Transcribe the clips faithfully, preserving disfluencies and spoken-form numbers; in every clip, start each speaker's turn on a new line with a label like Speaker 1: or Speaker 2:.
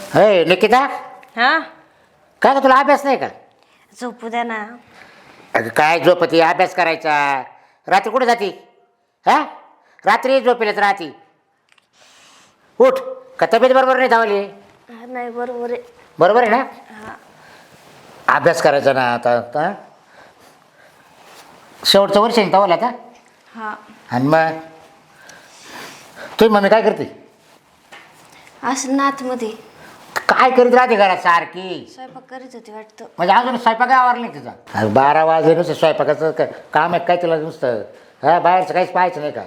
Speaker 1: हे निकिता,
Speaker 2: हा
Speaker 1: काय का तुला अभ्यास नाही का?
Speaker 2: झोपू द्या ना.
Speaker 1: अगं काय झोपती, अभ्यास करायचा. रात्री कुठे जाती? हा रात्री झोपेलच राहती. उठ, का तब्येत बरोबर नाही धावली?
Speaker 2: हा, नाही बरोबर आहे.
Speaker 1: बरोबर आहे ना?
Speaker 2: हा
Speaker 1: अभ्यास करायचा ना आता. आता शेवटचं वर्ष आहे धावला आता.
Speaker 2: हा
Speaker 1: आणि मग तुझी मम्मी काय करते?
Speaker 2: असं नातमध्ये
Speaker 1: काय करीत राहते घरात सारखी?
Speaker 2: स्वयंपाक करीत होती वाटतं.
Speaker 1: म्हणजे अजून स्वयंपाक आवरला नाही तिचा? अरे बारा वाजले नुसतं स्वयंपाकाचं काय काम आहे काय तुला नुसतं? हा बाहेरचं काहीच पाहायचं नाही का?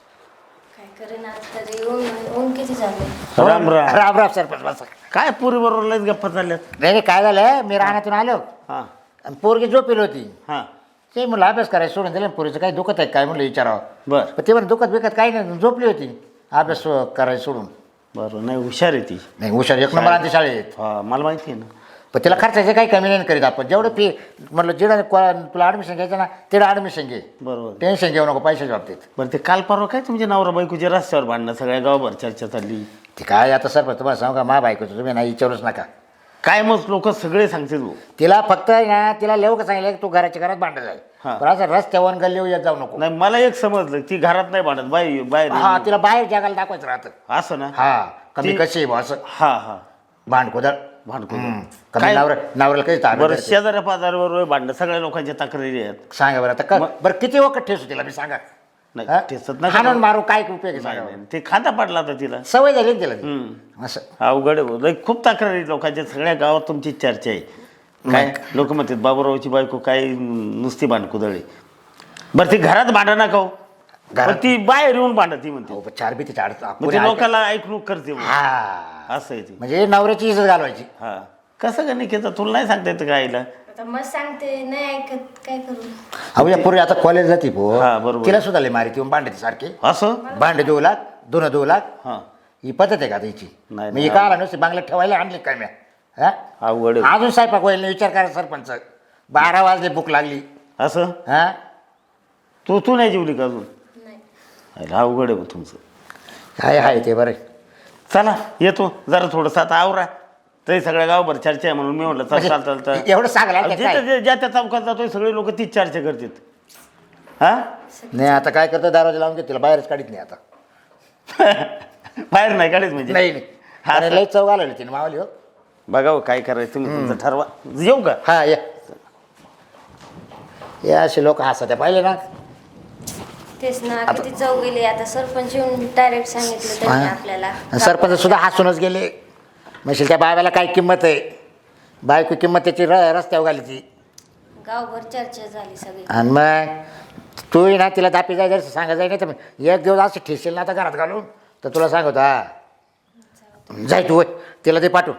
Speaker 2: काय करेन आज तरी. ऊन ऊन किती झालं.
Speaker 3: राम राम.
Speaker 1: राम राम सरपंच बसा.
Speaker 3: काय पुरी बरोबर लयच गप्पा चालल्यात.
Speaker 1: नाही नाही, काय झालं, मी राहण्यातून आलो
Speaker 3: हा
Speaker 1: आणि पोरगी झोपेल होती.
Speaker 3: हा
Speaker 1: ते म्हणलं अभ्यास करायला सोडून दिलं. पोरीचं काही दुखत आहे काय म्हणलं विचारावं.
Speaker 3: बर
Speaker 1: पण ते म्हणून दुखत बिकत काही नाही, झोपली होती अभ्यास करायला सोडून.
Speaker 3: बरं. नाही हुशार आहे ती.
Speaker 1: नाही हुशार एक नंबर आणते शाळेत.
Speaker 3: हा मला माहिती आहे ना.
Speaker 1: पण तिला खर्चाचं काही कमी नाही करीत आपण. जेवढं फी म्हटलं जिडं तुला ॲडमिशन घ्यायचं ना तिला ॲडमिशन घे.
Speaker 3: बरोबर.
Speaker 1: टेन्शन घेऊ नको पैशाच्या बाबतीत.
Speaker 3: बरं ते काल परवा काय तुमच्या नवरा बायकोच्या रस्त्यावर भांडणं सगळ्या गावभर चर्चा चालली.
Speaker 1: ते काय आता सर तुम्हाला सांगू का, मा बायकोचं तुम्ही नाही विचारूच नका.
Speaker 3: काय मग लोक सगळे सांगते तू.
Speaker 1: तिला फक्त ना तिला लेव का सांगितलं तू घराच्या घरात भांडत जाईल.
Speaker 3: हा.
Speaker 1: पण असं रस्त्यावर गल्ली येत जाऊ नको.
Speaker 3: नाही मला एक समजलं ती घरात नाही भांडत बाई बाहेर
Speaker 1: हा
Speaker 3: आहे.
Speaker 1: तिला बाहेर जगाला दाखवायचं राहतं.
Speaker 3: असं ना.
Speaker 1: हा कमी
Speaker 3: ती-
Speaker 1: कशी आहे बुवा असं
Speaker 3: हा हा
Speaker 1: भांडकोदळ.
Speaker 3: भांडकुदळ.
Speaker 1: कमी
Speaker 3: काय-
Speaker 1: नवरा नवऱ्याला काही ताब्यात
Speaker 3: बरं
Speaker 1: धरते.
Speaker 3: शेजाऱ्या पाजाऱ्यावर भांडणं सगळ्या लोकांच्या तक्रारी आहेत.
Speaker 1: सांगा बरं आता का बरं किती वखत ठेसू तिला मी सांगा.
Speaker 3: नाही
Speaker 1: हा?
Speaker 3: ठेचत नका.
Speaker 1: हाणून मारू काय उपयोग आहे
Speaker 3: नाही,
Speaker 1: सांगा
Speaker 3: नाही.
Speaker 1: बरं.
Speaker 3: ते खांदा पडला होता तिला.
Speaker 1: सवय झाली ना तिला ती.
Speaker 3: हम्म.
Speaker 1: असं
Speaker 3: अवघड आहे भाऊ. लय खूप तक्रारी लोकांच्या सगळ्या गावात तुमची चर्चा आहे. काय लोक म्हणतात बाबूरावची बायको काय नुसती भांडकुदळी. बरं ती घरात भांडा नका हो.
Speaker 1: घरात-
Speaker 3: पण ती बाहेर येऊन भांडत म्हणते.
Speaker 1: हो, पण चार बी तिच्या अडचण
Speaker 3: म्हणजे लोकांना ऐकणूक करते भाऊ.
Speaker 1: हा
Speaker 3: असं आहे ती.
Speaker 1: म्हणजे नवऱ्याची इज्जत घालवायची.
Speaker 3: हा कसं का नाही केलं तुला नाही सांगता येतं का आईला.
Speaker 2: आता मग सांगते नाही ऐकत काय करू.
Speaker 1: अहो या पूर्वी आता कॉलेज जाते पो
Speaker 3: हा, बरोबर.
Speaker 1: तिला सुद्धा लय मारी ती भांडते सारखी.
Speaker 3: असं
Speaker 1: भांडे देऊ लाग दोन देऊ लाग.
Speaker 3: हा
Speaker 1: ही पद्धत आहे का आता हिची?
Speaker 3: नाही,
Speaker 1: मी
Speaker 3: नाही.
Speaker 1: का आला नुसती बांगल्यात ठेवायला आणली काय मी? हा
Speaker 3: अवघड आहे.
Speaker 1: अजून स्वयंपाक होईल नाही विचार करा सरपंच. बारा वाजले भूक लागली.
Speaker 3: असं
Speaker 1: हा
Speaker 3: तू तू नाही जेवली का अजून.
Speaker 2: नाही
Speaker 3: आईला अवघड आहे भाऊ तुमचं.
Speaker 1: काय आहे ते बरं.
Speaker 3: चला येतो जरा थोडंसं आता आवरा. तरी सगळ्या गावभर चर्चा आहे म्हणून मी म्हटलं चल चाल चाल चाल.
Speaker 1: एवढं सांगायला ते काय?
Speaker 3: जिथं जे- ज्या त्या चौकात जातोय सगळे लोक तीच चर्चा करतात. हा
Speaker 1: नाही आता काय करतो दरवाजा लावून घेतो तिला बाहेरच काढीत नाही आता.
Speaker 3: बाहेर नाही काढायच म्हणजे.
Speaker 1: नाही नाही
Speaker 3: हा,
Speaker 1: अरे
Speaker 3: सर.
Speaker 1: लई चव घालवली तिने मावली. हो
Speaker 3: बघा हो, काय करायचं तुम्ही तुमचं ठरवा. येऊ का.
Speaker 1: हा या या असे लोक हसत्या पाहिले ना.
Speaker 2: तेच ना किती चव गेली. आता सरपंच येऊन डायरेक्ट सांगितलं त्यांनी आपल्याला.
Speaker 1: आणि सरपंच सुद्धा हसूनच गेले. म्हणजे त्या बाबाला काय किंमत आहे. बायको किंमत त्याची र रस्त्यावर घाली ती.
Speaker 2: गावभर चर्चा झाली सगळी.
Speaker 1: आणि मग तू ना तिला दापी जाय जर सांगा जाय नाही तर मग एक दिवस असं ठेसेल ना आता घरात घालून तर तुला सांगतो. हा जाय तू होय तिला ते पाठव.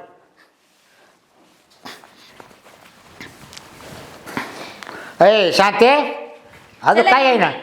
Speaker 1: अय शांते अजून काय आहे ना.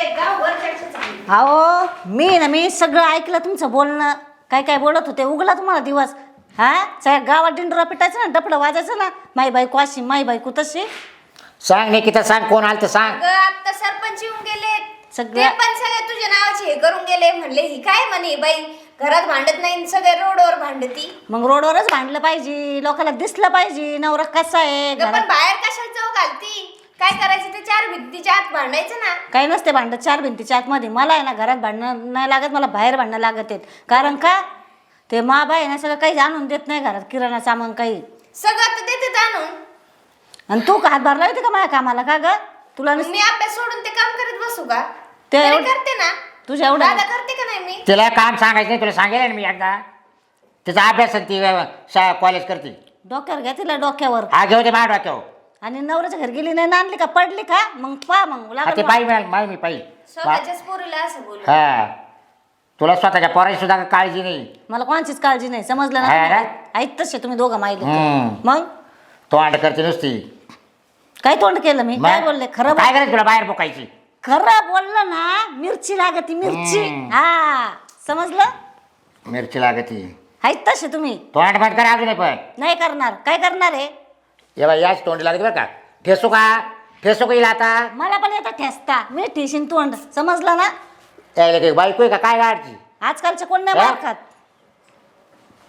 Speaker 4: अहो मी ना मी सगळं ऐकलं तुमचं बोलणं. काय काय बोलत होते उगला तुम्हाला दिवस. हा सगळ्या गावात डिंडोरा पिटायचं ना डपडं वाजायचं ना. माई बायको अशी माई बायको तशी.
Speaker 1: सांग निकिता सांग कोण आलं तर सांग.
Speaker 5: अगं आता सरपंच येऊन गेले. ते
Speaker 4: सगळ्या
Speaker 5: पण सगळे तुझ्या नावाचे हे करून गेले. म्हणले ही काय म्हणे बाई घरात भांडत नाही सगळे रोडवर भांडती.
Speaker 4: मग रोडवरच भांडलं पाहिजे. लोकांना दिसलं पाहिजे नवरा कसा आहे
Speaker 5: अगं, पण
Speaker 4: घरात.
Speaker 5: बाहेर कशाला चव घालती. काय करायचं ते चार भिंतीच्या आत भांडायचं ना.
Speaker 4: काही नसते भांडत चार भिंतीच्या आतमध्ये. मला आहे ना घरात भांडणं नाही लागत. मला बाहेर भांडणं लागत आहेत. कारण का ते मा बाई ना सगळं काही आणून देत नाही घरात. किराणा सामान काही.
Speaker 5: सगळं तर देते आणून.
Speaker 4: आणि तू का हातभार लावते का माझ्या कामाला का ग. तुला नुस-
Speaker 5: मी अभ्यास सोडून ते काम करत बसू का.
Speaker 4: ते
Speaker 5: तरी
Speaker 4: एवढं-
Speaker 5: करते ना.
Speaker 4: तुझ्या एवढं
Speaker 5: दादा करते का नाही मी.
Speaker 1: तिला काम सांगायचं नाही तुला सांगेल ना मी एकदा. तिचा अभ्यास आणि ती शाळा कॉलेज करते.
Speaker 4: डोक्यावर घ्या तिला डोक्यावर.
Speaker 1: हा घेऊ दे माझ्या डोक्यावर.
Speaker 4: आणि नवऱ्याच्या घरी गेली नाही नांदली का पडली का मग पा मग
Speaker 1: हा, ते
Speaker 4: लागलं
Speaker 1: पाहिजे मिळाल माय मी पाहिजे.
Speaker 5: स्वतःच्याच पोरीला असं बोलू.
Speaker 1: हा तुला स्वतःच्या पोराची सुद्धा काळजी नाही.
Speaker 4: मला कोणाचीच काळजी नाही समजलं
Speaker 1: हा ना?
Speaker 4: ना. ऐक तसे तुम्ही दोघं माहिले
Speaker 1: हम्म.
Speaker 4: मग
Speaker 1: तो अंड करते नुसती.
Speaker 4: काय तोंड केलं मी काय
Speaker 1: मग?
Speaker 4: बोलले खरं
Speaker 1: काय
Speaker 4: बोल-
Speaker 1: करायचं तुला बाहेर बोकायची.
Speaker 4: खरं बोललं ना मिरची लागती मिरची.
Speaker 1: हम्म.
Speaker 4: हा समजलं.
Speaker 1: मिरची लागती.
Speaker 4: आहेत तसे तुम्ही
Speaker 1: तो अंड बंद करा अजून पण.
Speaker 4: नाही करणार. काय करणार आहे.
Speaker 1: ये बाई याच तोंडी लागते बरं का. ठेसू का ठेसू का येईल आता.
Speaker 4: मला पण येतं ठेसता. मी ठेशीन तोंड समजलं ना.
Speaker 1: यायला काही बायको आहे का काय गाडची.
Speaker 4: आजकालचे कोण नाही
Speaker 1: हा?
Speaker 4: मार खात.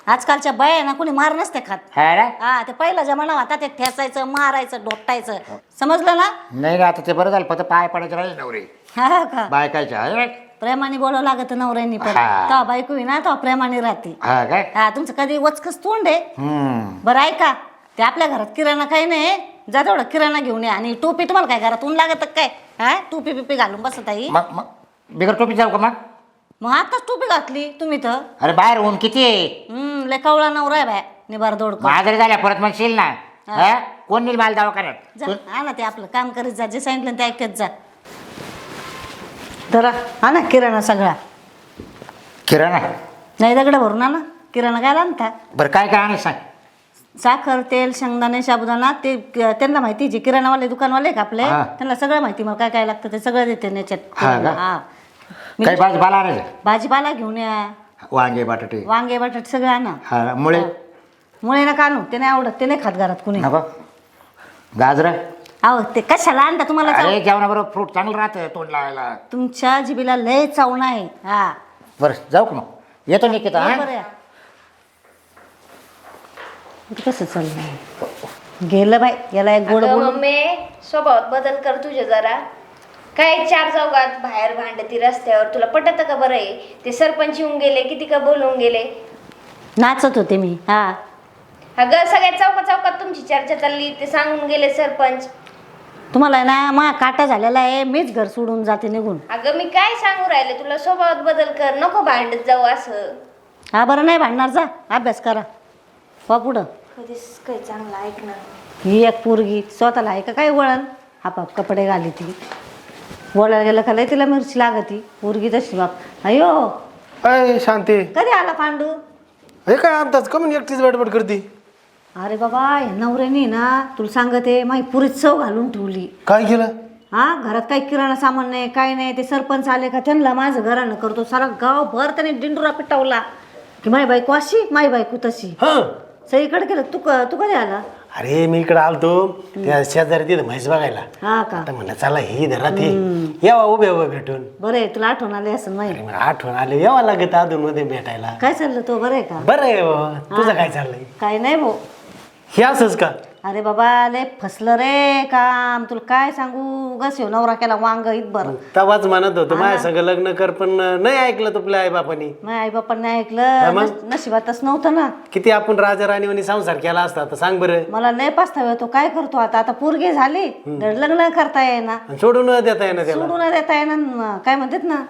Speaker 4: आजकालच्या बाया ना कोणी मार नसते खात.
Speaker 1: हा ना
Speaker 4: हा ते पहिला जमाना होता ते ठेचायचं मारायचं डोपटायचं समजलं ना.
Speaker 1: नाही ना आता ते बरं झालं फक्त पाय पडायचे राहिले नवरे
Speaker 4: हा का
Speaker 1: बायकायच्या आहे.
Speaker 4: प्रेमाने बोलावं लागत नवऱ्यांनी पण
Speaker 1: हा.
Speaker 4: तेव्हा बायको आहे ना तेव्हा प्रेमाने राहते.
Speaker 1: हा काय
Speaker 4: हा तुमचं कधी वचकच तोंड आहे.
Speaker 1: हम्म
Speaker 4: बरं ऐका ते आपल्या घरात किराणा काही नाही जा तेवढं किराणा घेऊन या आणि टोपी तुम्हाला काय घरात ऊन लागत काय हा टोपी पिपी घालून बसत आई.
Speaker 1: मग मग बिगर टोपी जाऊ का मग
Speaker 4: मग आताच टोपी घातली तुम्ही तर
Speaker 1: अरे बाहेर ऊन किती आहे
Speaker 4: हम्म लय कवळा नवरा आहे बाय निबार दोड
Speaker 1: मग आजारी झाल्या परत म्हणशील ना हा? कोण नेईल मला दवाखान्यात
Speaker 4: जा हा ना ते आपलं काम करीत जा जे सांगितलं ते ऐकत जा. तर हा ना किराणा सगळा
Speaker 1: किराणा
Speaker 4: नाही दगड भरून ना किराणा काय आणता.
Speaker 1: बरं काय काय आणि सांग
Speaker 4: साखर तेल शेंगदाणे साबुदाणा ते त्यांना माहिती जे किराणावाले दुकानवाले का आपले
Speaker 1: हा.
Speaker 4: त्यांना सगळं माहिती मला काय काय लागतं ते सगळं देते त्याच्यात.
Speaker 1: हा का?
Speaker 4: हा मी
Speaker 1: काही भाजीपाला आणायचं
Speaker 4: भाजीपाला घेऊन या
Speaker 1: वांगे बटाटे
Speaker 4: वांगे बटाटे सगळं आणा.
Speaker 1: हा मुळे
Speaker 4: मुळे नका आणू ते नाही आवडत ते नाही खात घरात कुणी.
Speaker 1: नको गाजर
Speaker 4: अहो ते कशाला आणता तुम्हाला चाव-
Speaker 1: अरे जेवणाबरोबर फ्रूट चांगलं राहतं तोंड लावायला.
Speaker 4: तुमच्या जिबीला लय चावण आहे. हा
Speaker 1: बरं जाऊ का मग येतो निकिता हा
Speaker 4: बरं या. इथं कसं चाललंय गेलं बाई याला एक गोड
Speaker 5: अगं
Speaker 4: बोल.
Speaker 5: मम्मी स्वभावात बदल कर तुझ्या जरा. काय चार चौघात बाहेर भांडती रस्त्यावर तुला पटत का बरं आहे. ते सरपंच येऊन गेले किती का बोलवून गेले.
Speaker 4: नाचत होते मी. हा
Speaker 5: अगं सगळ्या चौका चौकात तुमची चर्चा चालली ते सांगून गेले सरपंच.
Speaker 4: तुम्हाला आहे ना मा काटा झालेला आहे मीच घर सोडून जाते निघून.
Speaker 5: अगं मी काय सांगू राहिले तुला स्वभावात बदल कर नको भांडत जाऊ असं.
Speaker 4: हा बरं नाही भांडणार जा अभ्यास करा वा पुढं.
Speaker 5: कधीच काही चांगलं ऐकणार.
Speaker 4: ही एक पोरगी स्वतःला आहे का काय वळण आपाप कपडे घाली ती बोलायला गेलं का लय तिला मिरची लागती पोरगी तशी बाप अयो.
Speaker 6: अय शांती
Speaker 4: कधी आला पांडू.
Speaker 6: हे काय आमताच कमी एकटीच बडबड करते.
Speaker 4: अरे बाबा या नवऱ्यानी ना तुला सांगते माही पुरीत चव घालून ठेवली.
Speaker 6: काय केलं?
Speaker 4: हा घरात काही किराणा सामान नाही काय नाही ते सरपंच आले का त्यांना माझं घरानं करतो सारा गावभर त्याने डिंडुरा पिटावला की माई बायको अशी माई बायको तशी
Speaker 6: हा
Speaker 4: सगळीकडे केलं. तू क- तू कधी आला.
Speaker 6: अरे मी इकडे आलतो त्या शेजारी तिथं म्हैस बघायला.
Speaker 4: हा का
Speaker 6: आता म्हणलं चला ही धरा ते यावा उभे उभे भेटून.
Speaker 4: बरं आहे तुला आठवण आली असं माहिती.
Speaker 6: अरे मला आठवण आले यावा लागत अधून मध्ये भेटायला.
Speaker 4: काय चाललं तो बरं आहे का.
Speaker 6: बरं आहे बाबा तुझं काय चाललंय?
Speaker 4: काय नाही भाऊ.
Speaker 6: हे असंच का?
Speaker 4: अरे बाबा लय फसलं रे काम तुला काय सांगू गस ह्यो नवरा केला वांग इतभर.
Speaker 6: तवाच म्हणत होतो माझ्या सगळं लग्न कर पण नाही ऐकलं तुपल्या आई बापानी.
Speaker 4: माझ्या आई बापांनी ऐकलं नस- नशिबातच नव्हतं ना.
Speaker 6: किती आपण राजा राणीवानी संसार केला असता तर सांग बरं.
Speaker 4: मला लय पस्तावा येतो काय करतो आता आता पोरगी झाली धड लग्न करता येईना
Speaker 6: आणि सोडून न देता येणार त्याला.
Speaker 4: सोडून देता येईना न- काय म्हणतात ना.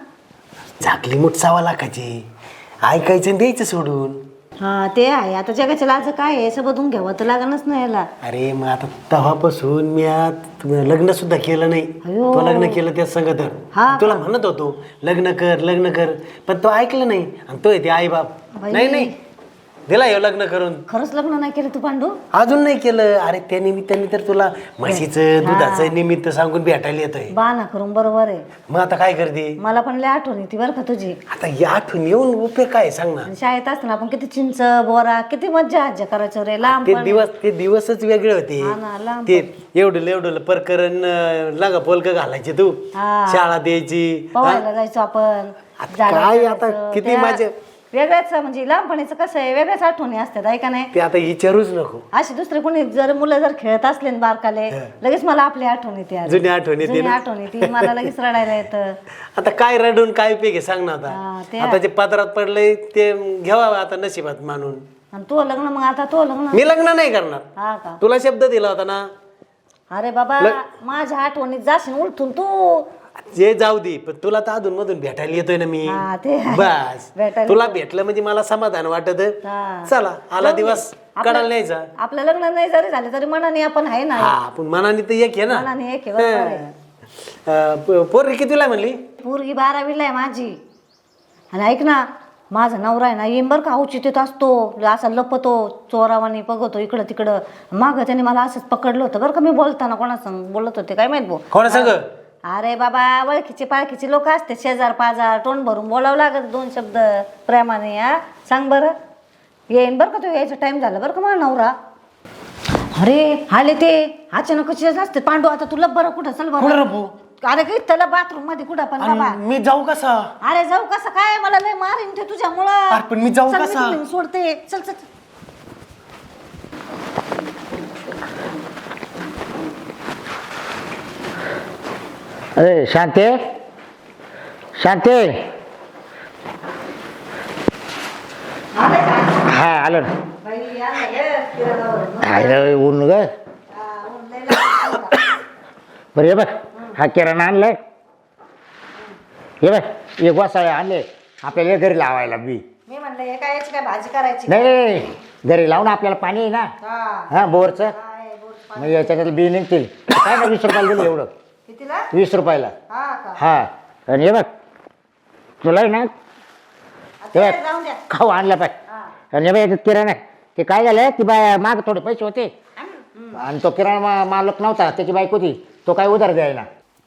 Speaker 6: झाकली मुठ सावा लाखाची ऐकायचं आणि द्यायचं सोडून.
Speaker 4: हा ते आहे आता जगाच्या लाज काय आहे असं बघून घ्यावं तर लागणच नाही याला.
Speaker 6: अरे मग आता तेव्हापासून मी आत लग्न सुद्धा केलं नाही.
Speaker 4: अयो.
Speaker 6: तो लग्न केलं त्या संग तर
Speaker 4: हा
Speaker 6: तुला म्हणत होतो लग्न कर लग्न कर पण तो ऐकलं नाही आणि तो येते आई बाप
Speaker 4: बाई.
Speaker 6: नाही नाही दिला हे लग्न करून
Speaker 4: खरंच लग्न नाही केलं तू पांडू.
Speaker 6: अजून नाही केलं. अरे त्या निमित्ताने तर तुला म्हशीचं दुधाचं निमित्त सांगून भेटायला येतोय.
Speaker 4: बाना करून बरोबर आहे.
Speaker 6: मग आता काय करते?
Speaker 4: मला पण लय आठवण येते बरं का तुझी.
Speaker 6: आता या आठवण येऊन उपयोग काय सांग ना.
Speaker 4: शाळेत असताना आपण किती चिंच बोरा किती मज्जा आज्जा करायचो रे लांब
Speaker 6: ते
Speaker 4: पण.
Speaker 6: दिवस ते दिवसच वेगळे होते.
Speaker 4: हा ना, लांब
Speaker 6: ते एवढं एवढं प्रकरण लागा पोलक घालायचे तू
Speaker 4: हा.
Speaker 6: शाळा द्यायची.
Speaker 4: पवायला जायचो आपण
Speaker 6: आता
Speaker 4: झाडं
Speaker 6: काय आता
Speaker 4: चढायचं.
Speaker 6: किती
Speaker 4: त्या
Speaker 6: मजा.
Speaker 4: वेगळ्याच म्हणजे लहानपणीचं कसं आहे वेगळ्याच आठवणी असतात आहे का नाही.
Speaker 6: ते आता विचारूच नको.
Speaker 4: अशी दुसरे कोणी जर मुलं जर खेळत असले ना बारकाले लगेच मला आपली आठवण येते अरे.
Speaker 6: जुनी आठवण येते
Speaker 4: जुनी
Speaker 6: ना.
Speaker 4: आठवण येते मला लगेच रडायला येतं.
Speaker 6: आता काय रडून काय उपयोग आहे सांग ना
Speaker 4: हा,
Speaker 6: आता.
Speaker 4: ते
Speaker 6: आता जे पदरात पडलंय ते घ्यावा आता नशिबात मानून.
Speaker 4: आणि तो लग्न मग आता तो लग्न
Speaker 6: मी लग्न नाही करणार.
Speaker 4: हा का.
Speaker 6: तुला शब्द दिला होता ना.
Speaker 4: अरे बाबा माझ्या आठवणीत जाशील उलटून तू.
Speaker 6: जे जाऊ दे पण तुला तर अधून मधून भेटायला येतोय ना मी.
Speaker 4: हा, ते आहे.
Speaker 6: बस
Speaker 4: भेटायला
Speaker 6: तुला भेटलं म्हणजे मला समाधान वाटत.
Speaker 4: हा.
Speaker 6: चला आला दिवस कडायला न्यायचा.
Speaker 4: आपलं लग्न नाही जरी झालं तरी मनाने आपण आहे ना.
Speaker 6: हा आपण मनाने तर एक आहे ना.
Speaker 4: मनाने एक आहे, बरोबर आहे.
Speaker 6: अं, प- पोरगी कितीला म्हणली?
Speaker 4: पोरगी बारावीला आहे माझी. आणि ऐक ना माझा नवरा आहे ना येईन बरं का औचित्यत असतो असा लपतो चोरावानी बघतो इकडं तिकडं. मागं त्याने मला असंच पकडलं होतं बरं का मी बोलताना कोणासंग बोलत होते काय माहित भाऊ.
Speaker 6: कोणा सांग?
Speaker 4: अरे बाबा ओळखीचे पाळखीचे लोक असते शेजार पाजार तोंड भरून बोलावं लागत दोन शब्द प्रेमाने. हा सांग बरं येईन बरं का तू यायचा टाइम झाला बरं का माझा नवरा. अरे आले ते अचानक कसे असते पांडू आता तुला बरं कुठं चल बरं. अरे काही त्याला बाथरूम मध्ये कुठं पण बाबा.
Speaker 6: आणि मी जाऊ कसा?
Speaker 4: अरे जाऊ कसं काय, मला लय मारीन ते तुझ्यामुळं.
Speaker 6: अरे पण मी जाऊ
Speaker 4: चल, मी
Speaker 6: कसा?
Speaker 4: तुम्ही सोडते. चल चल चल.
Speaker 1: अरे शांते शांते हा आलो ना.
Speaker 4: बाई, या ना, ये, किराणावरून.
Speaker 1: अरे ऊन ग
Speaker 4: हा, ऊन लय लागलं.
Speaker 1: बरं हे बघ हा किराणा आणलाय. हे बघ एक वासाळे आणले आपल्याला घरी लावायला बी.
Speaker 4: मी म्हणलं हे काय याची काय भाजी करायची?
Speaker 1: नाही नाही, नाही. घरी लावून आपल्याला पाणी आहे ना
Speaker 4: हा.
Speaker 1: हा बोरचं.
Speaker 4: काय बोल.
Speaker 1: मग याच्यात बी निघतील. काय ना वीस रुपयाला दिलं एवढं.
Speaker 4: कितीला?
Speaker 1: वीस रुपयाला.
Speaker 4: हा का?
Speaker 1: हा आणि हे बघ तुला आहे ना
Speaker 4: आता
Speaker 1: ते
Speaker 4: जाऊन द्या.
Speaker 1: खाऊ आणलं पाहिजे.
Speaker 4: हा.
Speaker 1: आणि हे बघ याच्यात किराणा आहे. ते काय झालं की बाय माग थोडे पैसे होते आणि तो किराणा मा- मालक नव्हता त्याची बाईक होती तो काय उधार द्यायला.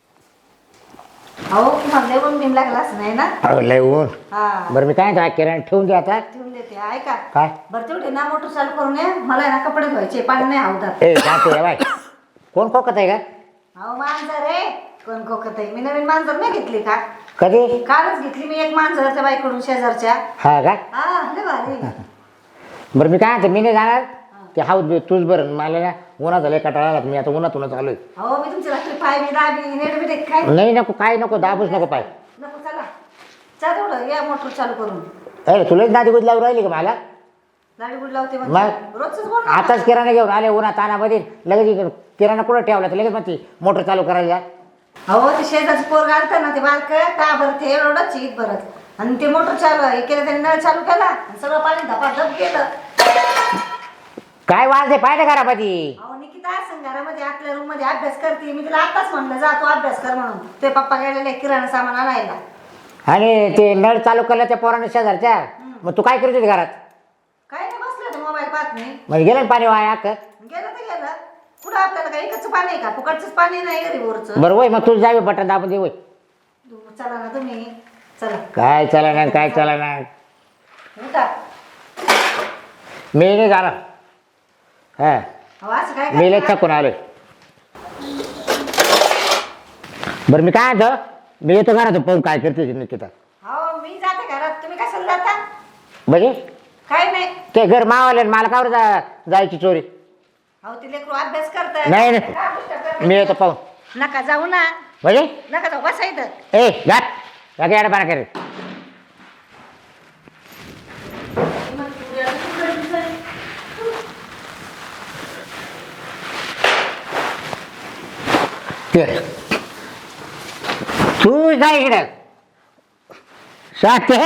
Speaker 4: अहो तुम्हाला लय ऊन बिन लागलाच नाही ना?
Speaker 1: अहो, लय ऊन.
Speaker 4: हा.
Speaker 1: बरं मी काय म्हणतो किराणा ठेवून द्या आता.
Speaker 4: ठेवून देते. ऐका
Speaker 1: काय
Speaker 4: बरं तेवढे ना मोटर चालू करून ये. मला आहे ना कपडे धुवायचे, पाणी नाही हवदार.
Speaker 1: ए सांगते बाय कोण खोकत आहे का?
Speaker 4: अहो मांजर रे. कोण कोकत आहे? मी नवीन मांजर नाही घेतली का?
Speaker 1: कधी?
Speaker 4: कालच घेतली मी एक मांजर त्या बाईकडून शेजारच्या.
Speaker 1: हा का?
Speaker 4: हा लय भारी.
Speaker 1: बरं मी काय म्हणतो मी नाही जाणार ते हाऊस बी तूच बरं मला ना उन्हात झालं कटाळा आला मी आता उन्हातूनच आलोय.
Speaker 4: अहो मी तुमची रात्री पाय बी दाबी नेट बी काय
Speaker 1: नाही नको काय नको दाबूच नको पाय.
Speaker 4: नको. चला चला तेवढं या मोटर चालू करून.
Speaker 1: अरे तुलाच नादी गुद लावून राहिली का मला?
Speaker 4: गाडी गुड लावते
Speaker 1: मग?
Speaker 4: म्हणजे रोजच बोल ना.
Speaker 1: आताच किराणा घेऊन आले उन्हा तानामध्ये लगेच इकडं किराणा कुठं ठेवला तर लगेच मग ती मोटर चालू करायला.
Speaker 4: अहो ते शेजारची पोर घालतं ना ते बारक का बरं ते एवढंच ईद भरत आणि ते मोटर चालू हे केलं त्यांनी नळ चालू केला आणि सगळं पाणी धपाधप केलं.
Speaker 1: काय वाज आहे पाहिजे घरामध्ये?
Speaker 4: अहो निकिता असं घरामध्ये आपल्या रूम मध्ये अभ्यास करते. मी तिला आताच म्हणलं जा तू अभ्यास कर म्हणून. ते पप्पा गेलेले किराणा सामान आणायला.
Speaker 1: आणि ते नळ चालू केलं त्या पोराने शेजारच्या मग तू काय करत होती घरात?
Speaker 4: काय नाही बसलं तर मोबाईल पाहत नाही.
Speaker 1: मग गेलं ना पाणी वाया अख्खं.
Speaker 4: गेलं तर गेलं. कुठं आपल्याला काही एकच पाणी आहे का? फुकटचंच पाणी नाही घरी बोरचं.
Speaker 1: बरं वय मग तू जावे बटन दाबून दे वय.
Speaker 4: चला ना तुम्ही. चला
Speaker 1: काय चला ना काय चला ना
Speaker 4: उठा.
Speaker 1: मी नाही जाणार. हा
Speaker 4: अहो असं काय
Speaker 1: मी लय
Speaker 4: करता?
Speaker 1: थकून आलोय. बरं मी काय म्हणतो मी येतो घरात पाहून काय करते निकिता.
Speaker 4: अहो मी जाते घरात. तुम्ही कशाला जाता?
Speaker 1: म्हणजे
Speaker 4: काय नाही.
Speaker 1: ते घर मावाले मला कावर जा जायची चोरी.
Speaker 4: अहो ते लेकरू अभ्यास करताय.
Speaker 1: नाही नाही
Speaker 4: काय पुस्तक करताय?
Speaker 1: मी येतो पाहून.
Speaker 4: नका जाऊ ना.
Speaker 1: म्हणजे
Speaker 4: नका जाऊ बसा इथं.
Speaker 1: ए घाट या गाड्या पाना करे. तू काय इकडे साथ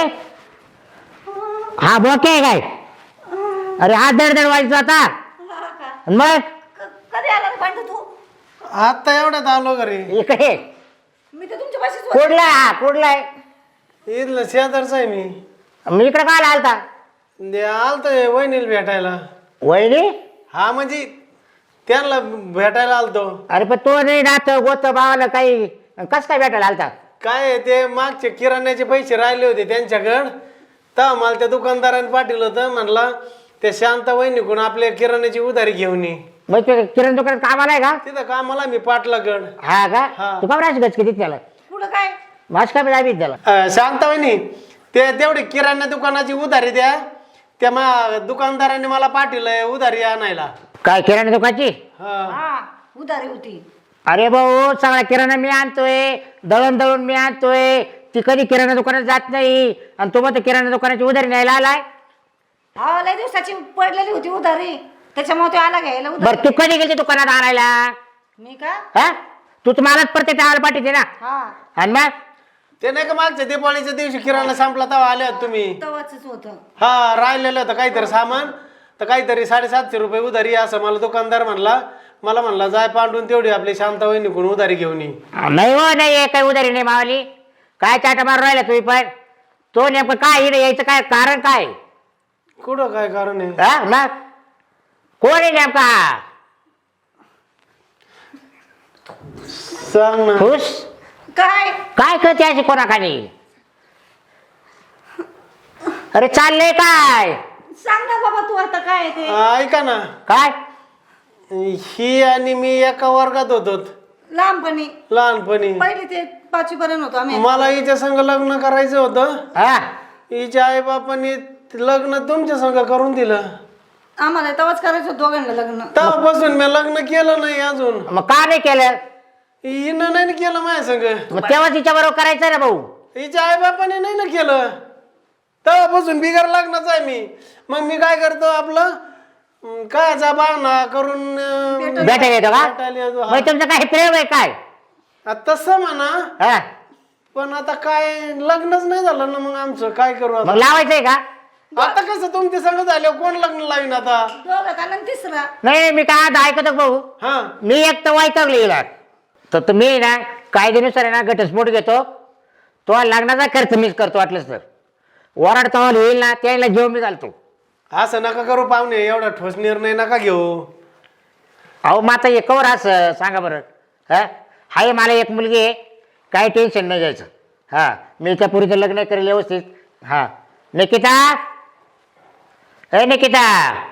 Speaker 1: हा बोके काय? अरे हात दड दड व्हायचं आता मग
Speaker 4: क- कधी आला रे भांडू तू?
Speaker 6: आता एवढ्यात आलो घरी.
Speaker 1: इकडे
Speaker 4: मी तर तुमच्या पाशीच होते.
Speaker 1: कुठला हा कुठलाय?
Speaker 6: इथलं शेजारचा आहे मी.
Speaker 1: मी इकडे काय आलता?
Speaker 6: ते आलतोय वहिनीला भेटायला.
Speaker 1: वहिनी?
Speaker 6: हा म्हणजे त्यांना भेटायला आलतो.
Speaker 1: अरे पण तो नाही नात गोत भावाला काही कस काय भेटायला आलता?
Speaker 6: काय आहे, ते मागचे किराण्याचे पैसे राहिले होते त्यांच्याकडं तर मला त्या दुकानदाराने पाठवलं होतं. म्हणला ते शांत वहिनीकडून आपल्या किराण्याची उधारी घेऊन ये.
Speaker 1: मग ते किराणा दुकानात कामाला आहे का?
Speaker 6: तिथं कामाला मी पाटलागड.
Speaker 1: हा का?
Speaker 6: हा.
Speaker 1: तू का राहायची गच किती त्याला
Speaker 4: कुठं काय?
Speaker 1: मास काय जावी त्याला?
Speaker 6: अं, शांत वहिनी ते तेवढी किराणा दुकानाची उधारी द्या. त्या मा दुकानदाराने मला पाठवलंय उधारी आणायला.
Speaker 1: काय किराणा दुकानची?
Speaker 6: हा
Speaker 4: हा उधारी होती.
Speaker 1: अरे भाऊ सगळा किराणा मी आणतोय दळण दळून मी आणतोय. ती कधी किराणा दुकानात जात नाही आणि तो मग किराणा दुकानाची उधारी न्यायला आलाय.
Speaker 4: हा लय दिवसाची पडलेली होती उधारी त्याच्यामुळे तो आला घ्यायला
Speaker 1: बरं
Speaker 4: उधारी.
Speaker 1: तू कधी गेली दुकानात आणायला?
Speaker 4: मी का?
Speaker 1: हा तू तुम्हालाच प्रत्येक टाळायला पाठीते ना.
Speaker 4: हा
Speaker 1: आणि मग
Speaker 6: ते नाही का मागच्या दिवाळीच्या दिवशी किराणा संपला तेव्हा आले होते तुम्ही.
Speaker 4: तवाच होतं.
Speaker 6: हा राहिलेलं होतं काहीतरी सामान तर काहीतरी साडेसातशे रुपये उधारी असं मला दुकानदार म्हणला. मला म्हणला जाय पांडून तेवढी आपली शांत वहिनीकडून उधारी घेऊन ये.
Speaker 1: नाही हो नाही काही उधारी नाही मावली. काय चाटा मारून राहिला तुम्ही पण? तो नेमकं काय इकडे यायचं काय कारण काय?
Speaker 6: कुठं काय कारण आहे?
Speaker 1: हा मग कोण आहे नेमका?
Speaker 6: सांग ना.
Speaker 1: खुश
Speaker 4: काय?
Speaker 1: काय करते अशी कोणाखाली? अरे चाललंय काय?
Speaker 4: सांग ना बाबा तू आता काय आहे ते.
Speaker 6: ऐका ना
Speaker 1: काय
Speaker 6: ही आणि मी एका वर्गात होतो.
Speaker 4: लहानपणी
Speaker 6: लहानपणी
Speaker 4: पहिली ते पाचवी पर्यंत होतो आम्ही.
Speaker 6: मला हिच्या संग लग्न करायचं होतं.
Speaker 1: हा
Speaker 6: हिच्या आई बापांनी लग्न तुमच्या संग करून दिलं.
Speaker 4: आम्हाला तेव्हाच करायचं होतं दोघांना लग्न.
Speaker 6: तेव्हापासून मी लग्न केलं नाही अजून.
Speaker 1: मग का नाही केलं?
Speaker 6: हिनं नाही ना केलं माझ्या संग.
Speaker 1: मग तेव्हा तिच्या बरोबर करायचं ना भाऊ.
Speaker 6: हिच्या आई बापाने नाही ना केलं. तेव्हापासून बिगर लग्नाचं आहे मी. मग मी काय करतो आपलं अं, कायचा बहाणा करून अं,
Speaker 1: भेटायला येतो का?
Speaker 6: भेटायला येतो.
Speaker 1: मग तुमचं काय प्रेम आहे काय?
Speaker 6: हा, तसं म्हणा.
Speaker 1: हा
Speaker 6: पण आता काय लग्नच नाही झालं ना, मग आमचं काय करू आता?
Speaker 1: मग लावायचंय का?
Speaker 6: आता कसं तुमचे संग झाले कोण लग्न लावीन आता?
Speaker 4: दोघं आणि तिसरा.
Speaker 1: नाही मी काय आता ऐकतो भाऊ.
Speaker 6: हा
Speaker 1: मी एक तर वाईटवलं येणार तर तुम्ही ना कायद्यानुसार आहे ना घटस्फोट घेतो. तो लग्नाचा खर्च मीच करतो वाटलंच तर. वराड तवाल होईल ना त्याला घेऊन मी घालतो.
Speaker 6: असं नका करू पाहुणे, एवढा ठोस निर्णय नका घेऊ.
Speaker 1: अहो मग आता हे कवर असं सांगा बरं. हा हाय मला एक मुलगी आहे, काही टेन्शन नाही घ्यायचं. हा मी त्या पुरीचं लग्न करेल व्यवस्थित. हा निकिता ए निकिता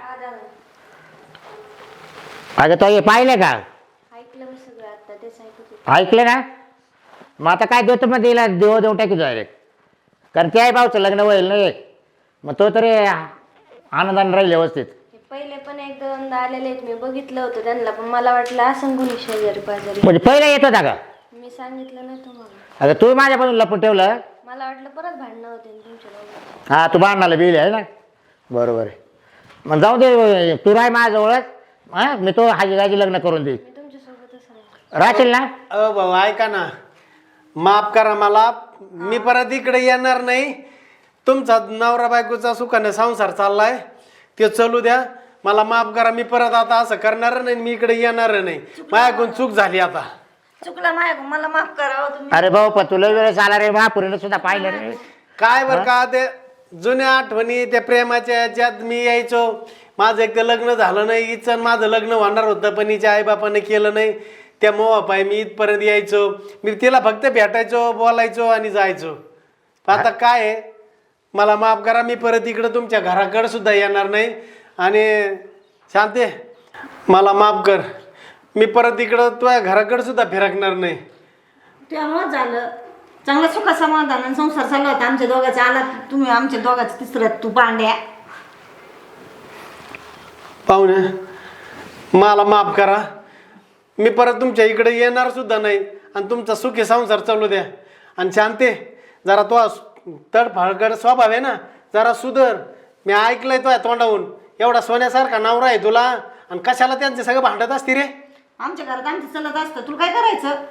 Speaker 1: अगं तो हे पाहिलं का?
Speaker 2: ऐकलं मी सगळं आता तेच ऐकत होते.
Speaker 1: ऐकलं ना? मग आता काय देतो मग तिला देव देऊन टाकी डायरेक्ट. कारण ते आहे भाऊचं लग्न होईल नाही. मग तो तरी आनंदाने राहील व्यवस्थित.
Speaker 2: हे पहिले पण एक दोनदा आलेले आहेत, मी बघितलं होतं त्यांना, पण मला वाटलं असं गुन्हे शेजारी पाजारी.
Speaker 1: म्हणजे पहिला येत होता का?
Speaker 2: मी सांगितलं नाही तुम्हाला.
Speaker 1: अगं तू माझ्यापासून लपून ठेवलं.
Speaker 2: मला वाटलं परत भांडणं होते ना तुमच्या दोघांची.
Speaker 1: हा तू बांधणाला बिल आहे ना. बरोबर आहे. मग जाऊ दे तू राय माझ्याजवळच. हा मी तो हाजी गाजी लग्न करून देईन.
Speaker 2: मी तुमच्यासोबतच राहील.
Speaker 1: राहशील ना?
Speaker 6: अ भाऊ ऐका ना, माफ करा मला. मी परत इकडे येणार नाही. तुमचा नवरा बायकोचा सुखाने संसार चाललाय ते चालू द्या. मला माफ करा, मी परत आता असं करणार नाही. मी इकडे येणार नाही. माझ्याकडून चूक झाली आता.
Speaker 4: चुकला माझ्या, मला माफ करा हो तुम्ही.
Speaker 1: अरे भाऊ पण तुला वेळेस आला रे महापुरीनं सुद्धा पाहिलं रे.
Speaker 6: काय बरं का ते जुन्या आठवणी त्या प्रेमाच्या याच्यात मी यायचो. माझं एक तर लग्न झालं नाही. हिचं माझं लग्न होणार होतं पण हिच्या आईबापाने केलं नाही. त्या मोहापाय मी इथपर्यंत यायचो. मी तिला फक्त भेटायचो, बोलायचो आणि जायचो. आता काय आहे, मला माफ करा. मी परत इकडं तुमच्या घराकडे सुद्धा येणार नाही. आणि शांते मला माफ कर. मी परत इकडं तुझ्या घराकडे सुद्धा फिरकणार नाही.
Speaker 4: त्यामुळं झालं चांगलं सुख समाधान आणि संसार चालला होता आमच्या दोघांचा. आला तुम्ही आमच्या दोघांचं तिसरं तू पांड्या.
Speaker 6: पाहुणे मला माफ करा. मी परत तुमच्या इकडे येणार सुद्धा नाही. आणि तुमचा सुखी संसार चालू द्या. आणि शांते जरा तो तडफाडगड स्वभाव आहे ना, जरा सुधर. मी ऐकलंय तो तोंडावून एवढा सोन्यासारखा नवरा आहे तुला, आणि कशाला त्यांचे सगळं भांडत असते रे.
Speaker 4: आमच्या घरात आमचं चलत असतं, तुला काय करायचं?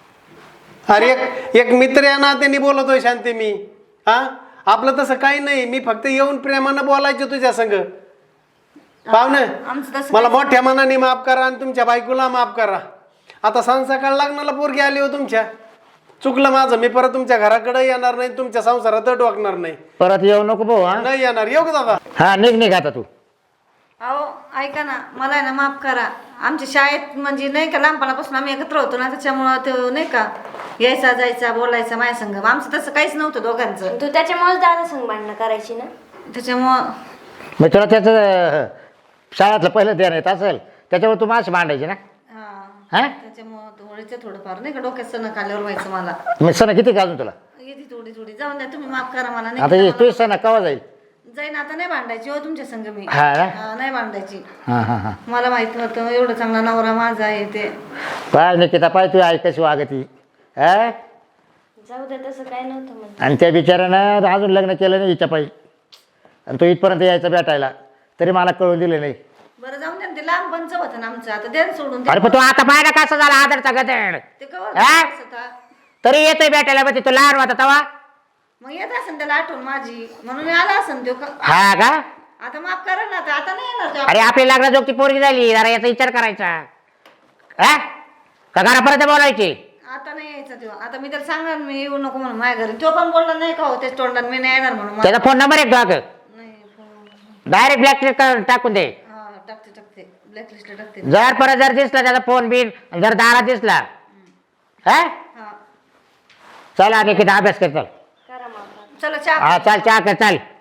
Speaker 6: अरे एक एक मित्र या नात्याने बोलतोय शांती मी. हा आपलं तसं काही नाही. मी फक्त येऊन प्रेमानं बोलायचं तुझ्या संग. पाहुणे
Speaker 4: आमचं तसं
Speaker 6: मला मोठ्या मनाने माफ करा आणि तुमच्या बायकोला माफ करा. आता संसाकाळ लग्नाला पोरगी आली हो तुमच्या. चुकलं माझं. मी परत तुमच्या घराकडे येणार नाही. तुमच्या संसारात डोकणार नाही.
Speaker 1: परत येऊ नको भाऊ. हा
Speaker 6: नाही येणार. येऊ का दादा?
Speaker 1: हा निघ निघ आता तू.
Speaker 4: अहो ऐका ना, मला आहे ना माफ करा. आमच्या शाळेत म्हणजे नाही का लहानपणापासून आम्ही एकत्र होतो ना, त्याच्यामुळं तो नाही का यायचा जायचा बोलायचा माझ्या संग. आमचं तसं काहीच नव्हतं दोघांचं.
Speaker 2: तू त्याच्यामुळेच दादा संग भांडणं करायची ना.
Speaker 4: त्याच्यामुळं
Speaker 1: मग तुला त्याचं शाळेतलं पहिलं ध्यान येत असेल त्याच्यावर तू माशी मांडायची ना.
Speaker 4: हा
Speaker 1: हा
Speaker 4: त्याच्यामुळं थोडीचं थोडंफार नाही का डोक्यात सण आल्यावर व्हायचं मला.
Speaker 1: मग सण किती का अजून तुला?
Speaker 4: येते थोडी थोडी. जाऊन द्या तुम्ही माफ करा मला.
Speaker 1: आता
Speaker 4: नाही
Speaker 1: तू सण केव्हा जाईल?
Speaker 4: जाईन आता. नाही भांडायची हो तुमच्या संग मी.
Speaker 1: हा ना?
Speaker 4: हा, नाही भांडायची.
Speaker 1: हा हा हा
Speaker 4: मला माहित नव्हतं एवढं चांगला नवरा माझा आहे ते.
Speaker 1: पाय निकिता पाय तू ऐक कशी वागती. हा
Speaker 2: जाऊ दे, तसं काय नव्हतं म्हणत.
Speaker 1: आणि त्या बिचाऱ्यानं अजून लग्न केलं नाही हिच्या पायी. आणि तो इथपर्यंत यायचा भेटायला तरी मला कळून दिले नाही.
Speaker 4: बरं जाऊन द्या ना, ते लहानपणचं होतं ना आमचं. आता द्या ना सोडून ते.
Speaker 1: अरे पण तू आता पाहिला कसा झाला आदरचा गदड.
Speaker 4: ते कवर
Speaker 1: हा?
Speaker 4: होता.
Speaker 1: तरी येतोय भेटायला मग तू लहान होता तवा.
Speaker 4: मग येत असेल त्याला आठवण माझी म्हणून आला असेल तो. का-
Speaker 1: हा का?
Speaker 4: आता माफ करा ना. आता आता नाही येणार तो.
Speaker 1: अरे आपली लग्नाजोगती पोरगी झाली जरा याचा विचार करायचा. हा का घरापर्यंत बोलायची?
Speaker 4: आता नाही यायचा तो. आता मी त्याला सांगणार मी येऊ नको म्हणून माझ्या घरी. तो पण बोलला नाही का हो त्याच तोंडात मी नाही येणार म्हणून.
Speaker 1: त्याचा फोन नंबर एक टाक.
Speaker 4: नाही फोन-
Speaker 1: डायरेक्ट ब्लॅक टाकून दे.
Speaker 4: हा टाकते टाकते ब्लॅकलिस्टला टाकते.
Speaker 1: जर परत जर दिसला त्याचा फोन बिन जर दारा दिसला हा
Speaker 4: हा
Speaker 1: चल आणि किती अभ्यास कर चल.
Speaker 2: करा माफ.
Speaker 4: चला चहा
Speaker 1: हा चाल चहा कर चाल.